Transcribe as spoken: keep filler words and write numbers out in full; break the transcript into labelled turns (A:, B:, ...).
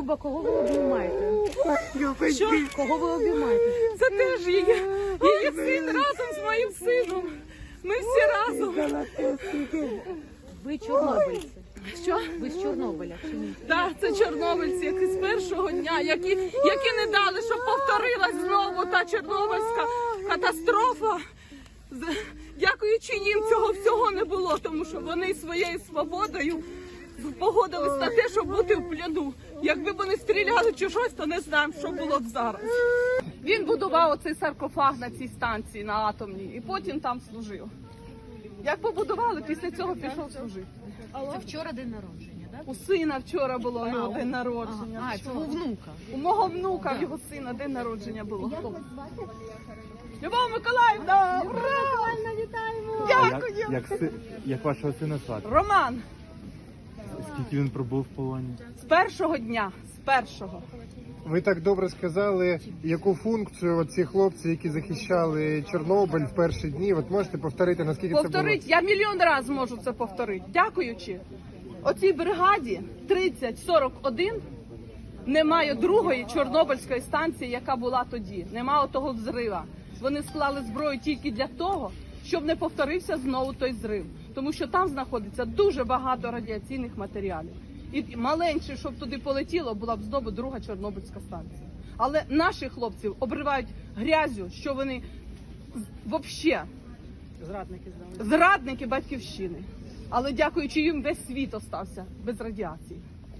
A: Люба, кого ви обіймаєте?
B: Що?
A: Кого ви обіймаєте?
B: Це теж її, її син разом з моїм сином. Ми всі разом.
A: Ви чорнобильці.
B: Що?
A: Ви з Чорнобиля чи ні?
B: Так, це чорнобильці, які з першого дня, які, які не дали, щоб повторилась знову та чорнобильська катастрофа. З- Дякуючи їм, цього всього не було, тому що вони своєю свободою погодились на те, щоб бути в пляну. Якби вони стріляли чи щось, то не знаємо, що було б зараз. Він будував оцей саркофаг на цій станції, на атомній, і потім там служив. Як побудували, після цього пішов служити.
A: Це вчора день народження, так?
B: У сина вчора було його день народження.
A: А, це у внука.
B: У мого внука, в його сина, день народження було. Любов Миколаївна! Ура!
C: А
B: Дякую!
C: Як, як, си- як вашого сина звати?
B: Роман,
C: Скільки він пробув в полоні?
B: з першого дня, з першого.
D: Ви так добре сказали, яку функцію ці хлопці, які захищали Чорнобиль в перші дні, от можете повторити, наскільки
B: Повторить, я мільйон разів можу це повторити. Дякуючи оцій бригаді тридцять сорок один немає другої Чорнобильської станції, яка була тоді. Немає того взрива. Вони склали зброю тільки для того, щоб не повторився знову той зрив. Тому що там знаходиться дуже багато радіаційних матеріалів. І маленьше, щоб туди полетіло, була б знову друга Чорнобильська станція. Але наших хлопців обривають грязю, що вони взагалі
A: Зрадники здали.
B: зрадники батьківщини. Але дякуючи їм, весь світ остався без радіації.